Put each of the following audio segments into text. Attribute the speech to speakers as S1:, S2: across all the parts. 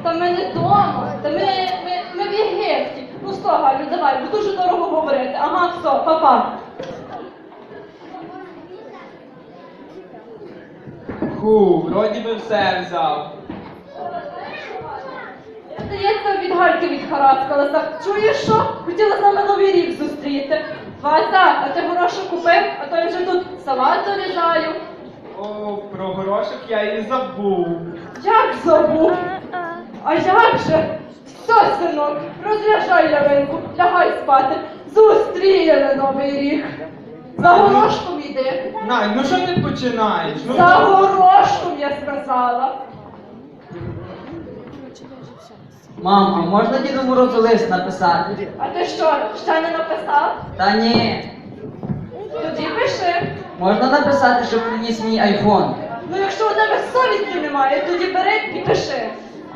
S1: Та ми не вдома, та ми в Єгипті. Ну що, Галю, давай, бо дуже дорого говорити. Ага, все, па-па.
S2: Вроді би все взяв.
S1: Здається, від Гальки відхаракалася. Чуєш що? Хотіла з нами Новий рік зустріти. Вася, а ти горошок купив? А то я вже тут салат дорізаю.
S2: О, про горошок я і забув.
S1: Як забув? А як же? Все, синок, розряджай ялинку, лягай спати. Зустріли Новий рік. За горошком йди.
S2: Най, ну що ти починаєш? Ну,
S1: За горошком, я сказала.
S3: Мам, а можна Діду Морозу лист написати?
S1: А ти що, ще не написав?
S3: Та ні.
S1: Тоді пиши.
S3: Можна написати, щоб приніс мій айфон?
S1: Ну якщо у тебе совісті немає, тоді бери і пиши.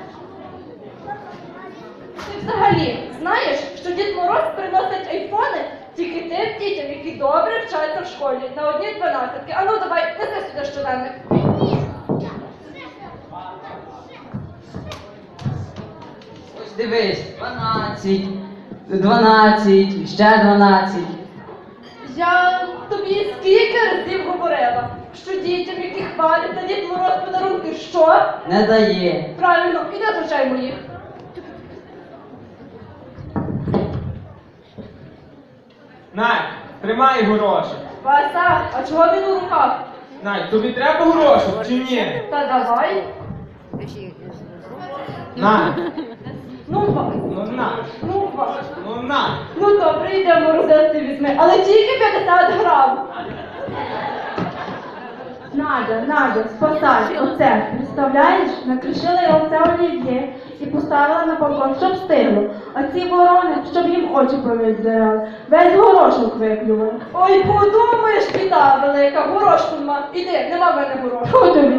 S1: Ти взагалі знаєш, що Дід Мороз приносить айфони тільки тим дітям, які добре вчаться в школі на одні 12-ки. А ну давай, неси сюди щоденник.
S3: Ось дивись, 12, ще 12.
S1: Я тобі скільки разів говорила, що дітям, які хвалять на Дід Мороз подарунки, що?
S3: Не дає.
S1: Правильно, іди звичай моїх.
S2: Най, тримай горошок.
S1: Вася, а чого він у руках?
S2: Най, тобі треба горошок чи ні?
S1: Та давай.
S2: Най,
S1: Ну, Вася.
S2: ну на,
S1: Ну, Вася.
S2: ну на.
S1: Ну добре, йдемо розетти візьми, але тільки 50 грам.
S4: Надя, спасай, оце, представляєш, накришила я оце олів'є і поставила на балкон, щоб стигло. А ці ворони, щоб їм очі повіддирали, весь горошок виплювали.
S1: Ой, подумаєш, біда велика, горошку нема. Іди, нема в мене горошку.
S4: Що тобі?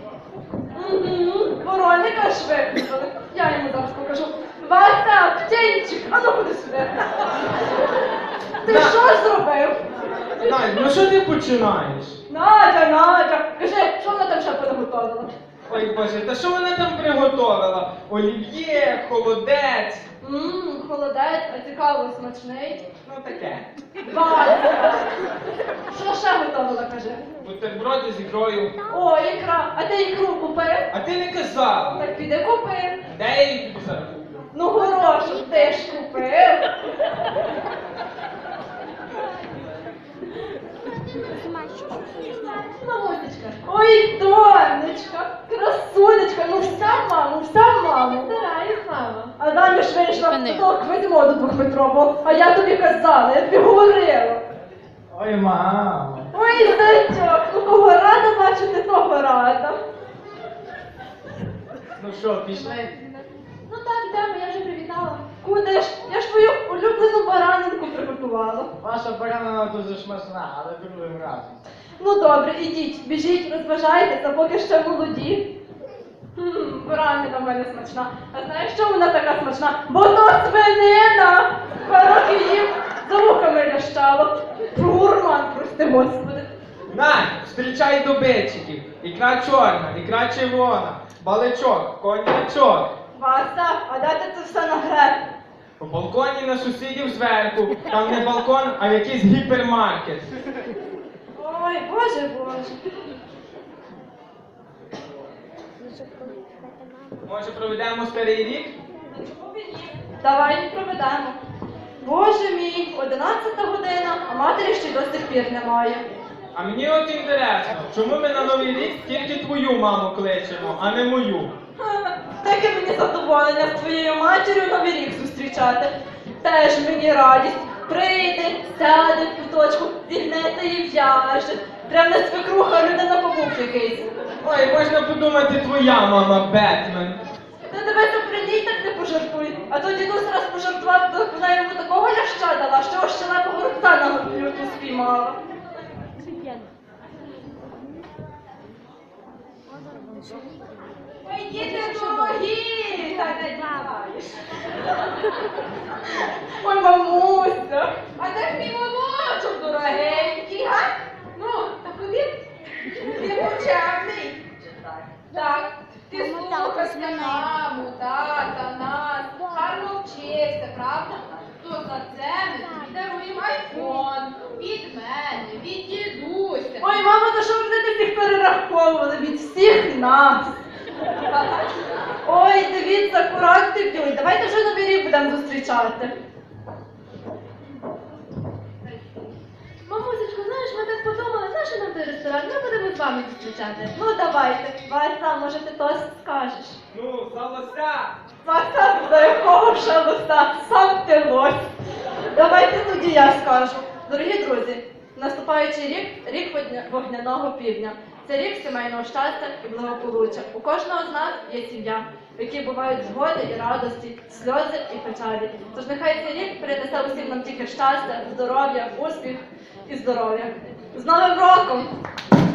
S1: Вороника ж викликали. Я йому зараз покажу. Вася, птенчик, а ну ходи сюди. Ти
S2: На.
S1: що зробив?
S2: Най, ну що ти починаєш?
S1: Надя, кажи, що вона там ще приготувала?
S2: Ой Боже, та що вона там приготовила? Олів'є, холодець.
S1: Холодець, а цікаво, смачний.
S2: Ну таке.
S1: Вася, що ще готувала, кажи?
S2: Бутерброди з ікрою.
S1: О, ікра, а ти ікру купив?
S2: А ти не казала.
S1: Так піди купи.
S2: Де я її тобі зараз куплю?
S1: Ну, горошок ти ж купив. Мамусечка. Ой, донечка, красунечка, ну вся мама,
S4: Стараюсь, мама.
S1: А заміж вийшла до того Квазімоду двохметрового, а я тобі казала, я тобі говорила.
S2: Ой, мамо.
S1: Ой, зайчок, ну кого рада бачити, того рада.
S2: Ну що, пішли?
S1: Ну так, йдемо, я вже привітала. Куди ж? Я ж твою улюблену баранинку приготувала.
S2: Ваша баранина дуже смачна, але другим разом.
S1: Ну добре, ідіть, біжіть, розважайтеся, поки ще молоді. Баранина в мене смачна. А знаєш, що вона така смачна? Бо то свинина! 2 роки їм за вухами лящало. Гурман, прости господи.
S2: Най, зустрічай добитчиків. Ікра чорна, ікра червона, баличок, конячок.
S1: Вася, а де ти це все нагреб?
S2: По балконі на сусідів зверху. Там не балкон, а якийсь гіпермаркет.
S1: Ой, боже, боже.
S2: Може проведемо старий рік?
S1: Давай проведемо. Боже мій, 11 година, а матері ще й до сих пір немає.
S2: А мені от інтересно, чому ми на Новий рік тільки твою маму кличемо, а не мою?
S1: Таке мені задоволення з твоєю матір'ю Новий рік зустрічати. Теж мені радість. Прийде, сяде в куточку, зігнеться і в'яже. Прям не свекруха, людина побув якийсь.
S2: Ой, можна подумати, твоя мама Бетмен.
S1: Та тебе то прийдіть, так не пожартуй. А то дідусь раз пожартував, то вона йому такого ляща дала, що ось щелепого рубця на люту спіймала. Ой, діти дорогі, та не діваєш. Ой, мамуся, а де ж мій молочок дорогенький, га? Ну, та куди? Ти почемний. Так, ти слухайся маму, так.
S5: телефон від мене, від дідуся.
S1: Ой, мамо, то що ви будете всіх перераховували від всіх нас? Ой, дивіться, курати б'ють. Давайте вже Новий рік будемо зустрічати.
S5: Мамусечко, знаєш, ми так подумали, знаєш, що нам той ресторан, ми будемо з вами зустрічати.
S1: Ну давайте, Вася, може ти тост скажеш?
S2: Ну, за лося!
S1: Вася, за якого ще лося? Сам ти лось. Давайте тоді я скажу. Дорогі друзі, наступаючий рік – рік вогняного півдня. Це рік сімейного щастя і благополуччя. У кожного з нас є сім'я, в якій бувають згоди і радості, сльози і печалі. Тож нехай цей рік принесе усім нам тільки щастя, здоров'я, успіх і здоров'я. З Новим роком!